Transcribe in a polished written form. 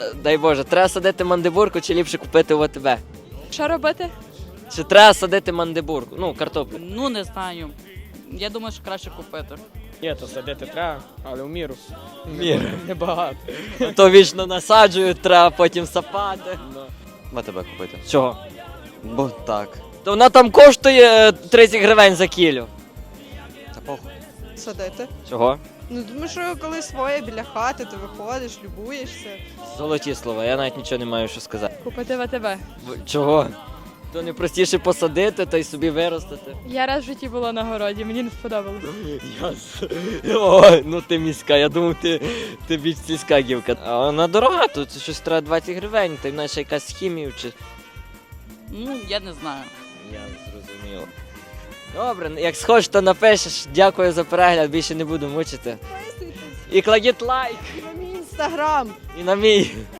Дай Боже, треба садити мандибурку чи ліпше купити в АТБ? Що робити? Чи треба садити мандибурку? Ну, картоплю. Ну, не знаю. Я думаю, що краще купити. Є, то садити треба, але в міру. Міру. Небагато. То вічно насаджують, треба потім сапати. В АТБ купити. Чого? Бо так. То вона там коштує 30 гривень за кілю. Та похуй. Садити. Чого? Ну, тому що коли своє біля хати, ти виходиш, любуєшся. Золоті слова, я навіть нічого не маю що сказати. Купити в АТБ. Чого? То не простіше посадити, та й собі виростити. Я раз в житті була на городі, мені не сподобалось. Ой, ну ти міська, я думав, ти більш сільська гівка. А вона дорога, тут щось треба 20 гривень, та й вона ще якась з хімією чи... Ну, я не знаю. Я зрозумів. Добре, як схочеш, то напишеш. Дякую за перегляд, більше не буду мучити. І кладіть лайк. На мій інстаграм. І на мій.